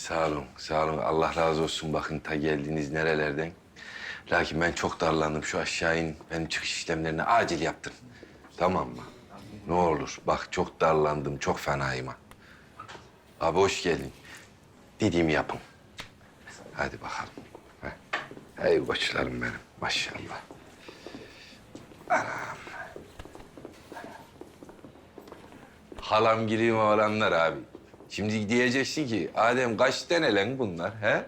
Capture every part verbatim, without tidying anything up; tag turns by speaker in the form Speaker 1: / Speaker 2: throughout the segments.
Speaker 1: Sağ olun, sağ olun. Allah razı olsun. Bakın ta geldiniz nerelerden. Lakin ben çok darlandım. Şu aşağı in. Benim çıkış işlemlerini acil yaptın. Tamam mı? Ne olur. Bak çok darlandım. Çok fenayım ha. Abi hoş geldin. Dediğimi yapın. Hadi bakalım. Heh. Hey koçlarım benim. Maşallah. Anam. Halam gireyim oğlanlar abi. Şimdi diyeceksin ki Adem kaç tane lan bunlar he?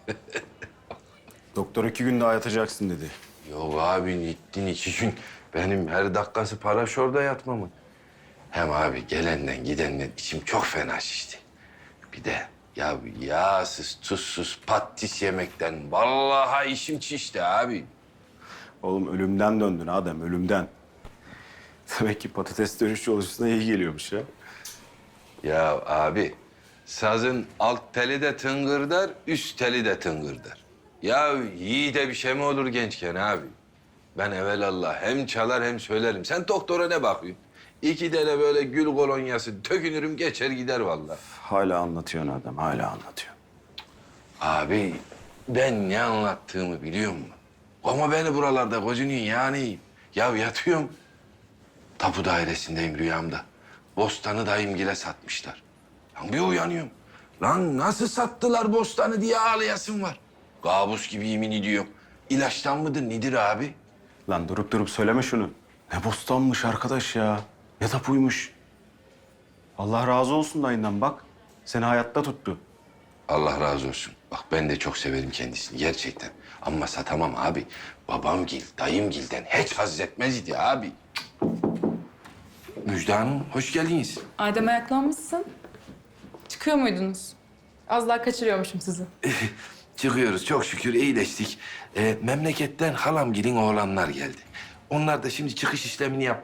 Speaker 2: Doktor iki gün daha yatacaksın dedi.
Speaker 1: Yok abi gittin iki gün. Benim her dakikası para şurada yatmamın. Hem abi gelenden gidenden içim çok fena şişti. Bir de ya yağsız, tuzsuz, patates yemekten vallahi işim şişti abi.
Speaker 2: Oğlum ölümden döndün Adem, ölümden. Demek ki patates dönüş yolcusuna iyi geliyormuş ya.
Speaker 1: Ya abi sazın alt teli de tıngırdar, üst teli de tıngırdar. Ya yiğide bir şey mi olur gençken abi? Ben evelallah hem çalar hem söylerim. Sen doktora ne bakıyorsun? İki tane böyle gül kolonyası tökünürüm geçer gider vallahi.
Speaker 2: Hala anlatıyorsun Adem, hala anlatıyorsun.
Speaker 1: Abi ben ne anlattığımı biliyor musun? Ama beni buralarda gözünün yani. Ya yatıyorum. Tapu dairesindeyim rüyamda. Bostanı dayımgile satmışlar. Lan bir uyanıyorum. Lan nasıl sattılar bostanı diye ağlayasım var. Kabus gibi yemin ediyorum. İlaçtan mıdır nedir abi?
Speaker 2: Lan durup durup söyleme şunu. Ne bostanmış arkadaş ya. Ne tapuymuş. Allah razı olsun dayından bak. Seni hayatta tuttu.
Speaker 1: Allah razı olsun. Bak ben de çok severim kendisini gerçekten. Ama satamam abi. Babamgil, dayımgilden hiç haz etmez idi abi. Müjde Hanım, hoş geldiniz.
Speaker 3: Adem ayaklanmışsın. Çıkıyor muydunuz? Az daha kaçırıyormuşum sizi.
Speaker 1: Çıkıyoruz çok şükür iyileştik. Ee, memleketten halamgilin oğlanlar geldi. Onlar da şimdi çıkış işlemini yap.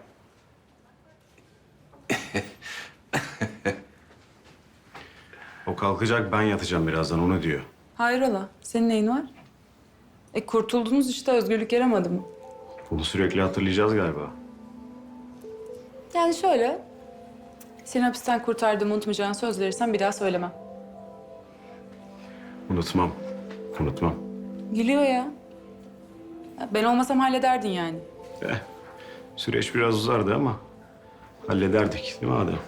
Speaker 2: O kalkacak, ben yatacağım birazdan, onu diyor.
Speaker 3: Hayrola? Senin neyin var? E kurtuldunuz işte, özgürlük yaramadı mı?
Speaker 2: Bunu sürekli hatırlayacağız galiba.
Speaker 3: Yani şöyle, seni hapisten kurtardığımı unutmayacağını söz verirsen bir daha söylemem.
Speaker 2: Unutmam, unutmam.
Speaker 3: Gülüyor ya. Ya ben olmasam hallederdin yani.
Speaker 2: Eh, süreç biraz uzardı ama hallederdik değil mi Adem?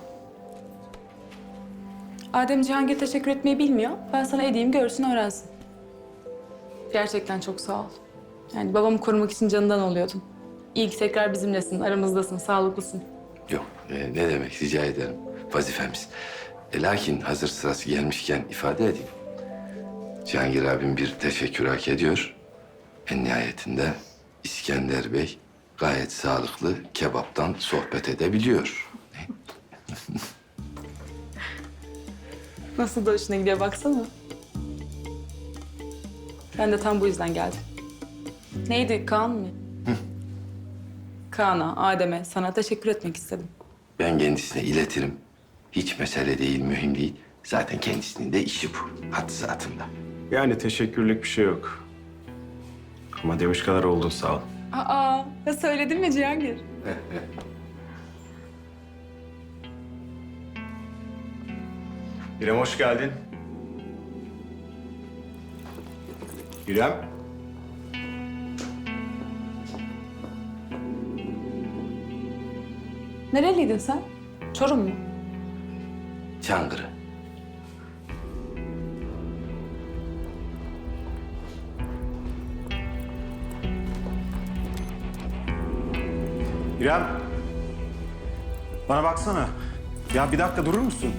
Speaker 3: Adem Cihangir teşekkür etmeyi bilmiyor. Ben sana edeyim, görsün, öğrensin. Gerçekten çok sağ ol. Yani babamı korumak için canından oluyordun. İyi ki tekrar bizimlesin, aramızdasın, sağlıklısın.
Speaker 1: Yok e, ne demek rica ederim. Vazifemiz. E, lakin hazır sırası gelmişken ifade edeyim. Cihangir abim bir teşekkür hak ediyor. En nihayetinde İskender Bey gayet sağlıklı kebaptan sohbet edebiliyor.
Speaker 3: Nasıl da hoşuna gidiyor baksana. Ben de tam bu yüzden geldim. Neydi, Kaan mı? Kaan'a, Adem'e, sana teşekkür etmek istedim.
Speaker 1: Ben kendisine iletirim. Hiç mesele değil, mühim değil. Zaten kendisinin de işi bu. Had zatında.
Speaker 2: Yani teşekkürlük bir şey yok. Ama demiş kadar oldun, sağ ol.
Speaker 3: Aa, ya söyledim ya Cihangir.
Speaker 2: İrem hoş geldin. İrem.
Speaker 3: Nereliydin sen? Çorum mu?
Speaker 1: Çankırı.
Speaker 2: İrem. Bana baksana. Ya bir dakika durur musun?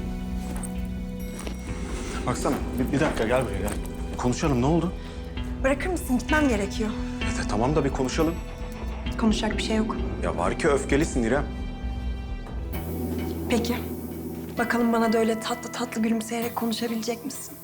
Speaker 2: Baksana. Bir, bir dakika gel buraya gel. Konuşalım, ne oldu?
Speaker 4: Bırakır mısın? Gitmem gerekiyor.
Speaker 2: E, tamam da bir konuşalım.
Speaker 4: Konuşacak bir şey yok.
Speaker 2: Ya var ki öfkelisin İrem.
Speaker 4: Peki. Bakalım bana da öyle tatlı tatlı gülümseyerek konuşabilecek misin?